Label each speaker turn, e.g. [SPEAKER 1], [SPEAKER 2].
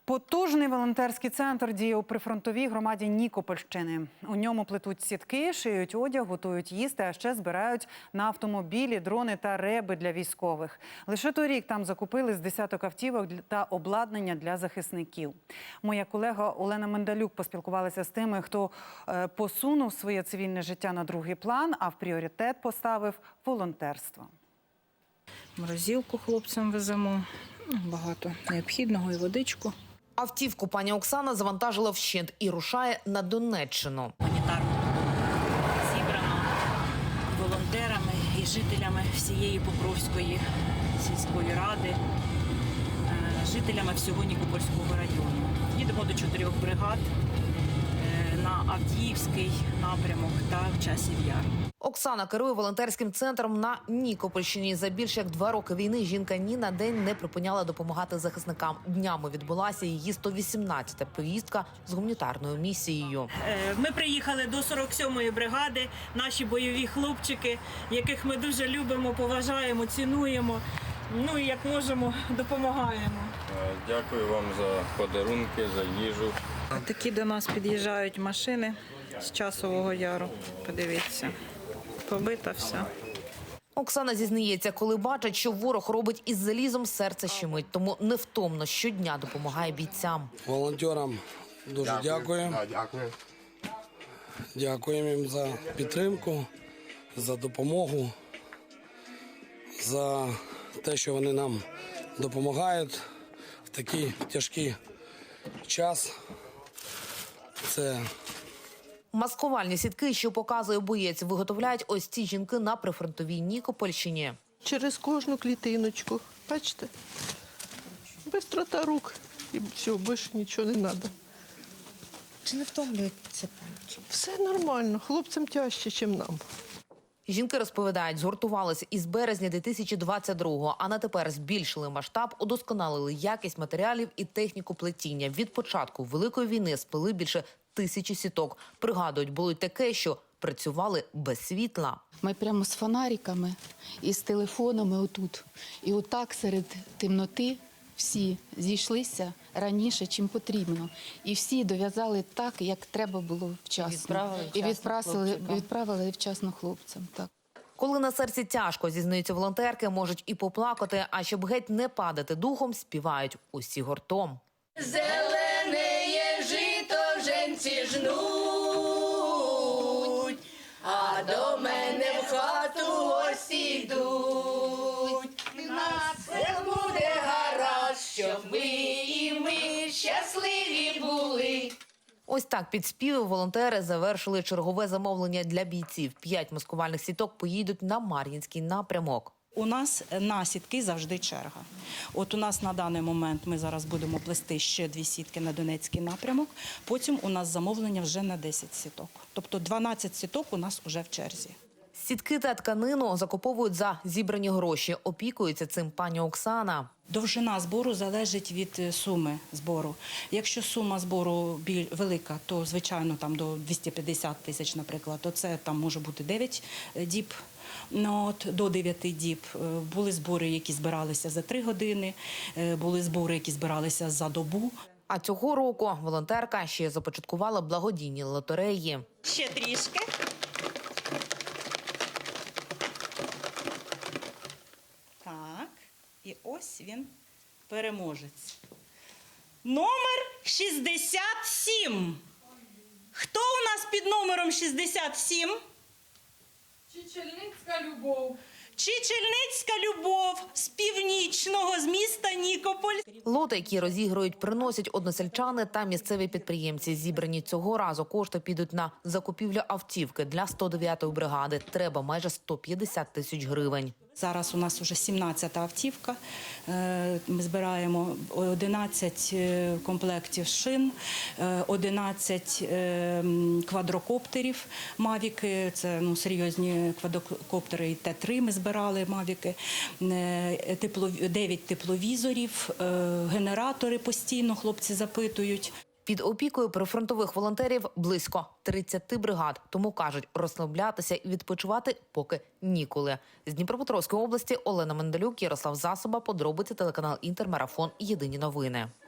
[SPEAKER 1] Потужний волонтерський центр діє у прифронтовій громаді Нікопольщини. У ньому плетуть сітки, шиють одяг, готують їсти, а ще збирають на автомобілі, дрони та реби для військових. Лише торік там закупили з десяток автівок та обладнання для захисників. Моя колега Олена Мендалюк поспілкувалася з тими, хто посунув своє цивільне життя на другий план, а в пріоритет поставив волонтерство.
[SPEAKER 2] Морозилку хлопцям веземо, багато необхідного і водичку.
[SPEAKER 3] Автівку пані Оксана завантажила вщент і рушає на Донеччину.
[SPEAKER 2] Гуманітарно зібрано волонтерами і жителями всієї Покровської сільської ради, жителями всього Нікопольського району. Їдемо до 4 бригад на Авдіївський напрямок та в Часів Яр.
[SPEAKER 3] Оксана керує волонтерським центром на Нікопольщині. За більше як 2 роки війни жінка ні на день не припиняла допомагати захисникам. Днями відбулася її 118-та поїздка з гуманітарною місією.
[SPEAKER 2] Ми приїхали до 47-ї бригади, наші бойові хлопчики, яких ми дуже любимо, поважаємо, цінуємо. Ну і як можемо, допомагаємо.
[SPEAKER 4] Дякую вам за подарунки, за їжу.
[SPEAKER 2] Такі до нас під'їжджають машини з Часового Яру. Подивіться, побита все.
[SPEAKER 3] Оксана зізнається, коли бачить, що ворог робить із залізом, серце щемить. Тому невтомно щодня допомагає бійцям.
[SPEAKER 5] Волонтерам дуже дякую. Дякуємо їм за підтримку, за допомогу, за те, що вони нам допомагають в такий тяжкий час. Це
[SPEAKER 3] маскувальні сітки, що показує боєць, виготовляють ось ці жінки на прифронтовій Нікопольщині.
[SPEAKER 6] Через кожну клітиночку, бачите, бистрота рук і все, більше нічого не треба.
[SPEAKER 3] Чи не втомлюється?
[SPEAKER 6] Все нормально, хлопцям тяжче, ніж нам.
[SPEAKER 3] Жінки розповідають, згуртувалися із березня 2022-го, а на тепер збільшили масштаб, удосконалили якість матеріалів і техніку плетіння. Від початку Великої війни сплели більше 1000 сіток. Пригадують, було й таке, що працювали без світла.
[SPEAKER 7] Ми прямо з фонариками і з телефонами отут. І отак серед темноти всі зійшлися раніше, чим потрібно. І всі дов'язали так, як треба було вчасно. І відправили вчасно хлопцям. Так.
[SPEAKER 3] Коли на серці тяжко, зізнаються волонтерки, можуть і поплакати, а щоб геть не падати духом, співають усі гуртом.
[SPEAKER 8] Зеленеє жито женці жнуть, а до мене в хату гості йдуть. На все буде гаразд, щоб ви і ми щасливі були.
[SPEAKER 3] Ось так під співи волонтери завершили чергове замовлення для бійців. 5 маскувальних сіток поїдуть на Мар'їнський напрямок.
[SPEAKER 2] У нас на сітки завжди черга. От у нас на даний момент ми зараз будемо плести ще 2 сітки на Донецький напрямок. Потім у нас замовлення вже на 10 сіток. Тобто 12 сіток у нас вже в черзі.
[SPEAKER 3] Сітки та тканину закуповують за зібрані гроші. Опікується цим пані Оксана.
[SPEAKER 2] Довжина збору залежить від суми збору. Якщо сума збору велика, то, звичайно, там до 250 тисяч, наприклад, то це там може бути 9 діб. До 9 діб. Були збори, які збиралися за 3 години, були збори, які збиралися за добу.
[SPEAKER 3] А цього року волонтерка ще започаткувала благодійні лотереї.
[SPEAKER 2] Ще трішки. Так, і ось він, переможець. Номер 67. Хто у нас під номером 67?
[SPEAKER 9] Чечельницька Любов.
[SPEAKER 2] Чечельницька Любов з північного, з міста Нікополь.
[SPEAKER 3] Лоти, які розігрують, приносять односельчани та місцеві підприємці. Зібрані цього разу кошти підуть на закупівлю автівки для 109-ї бригади. Треба майже 150 тисяч гривень.
[SPEAKER 2] Зараз у нас вже 17-та автівка. Ми збираємо 11 комплектів шин, 11 квадрокоптерів «Мавіки». Це серйозні квадрокоптери, і Т-3 ми збирали «Мавіки», 9 тепловізорів, генератори постійно хлопці запитують.
[SPEAKER 3] Під опікою прифронтових волонтерів близько 30 бригад. Тому, кажуть, розслаблятися і відпочивати поки ніколи. З Дніпропетровської області Олена Мендалюк, Ярослав Засоба, подробиці, телеканал «Інтермарафон», єдині новини.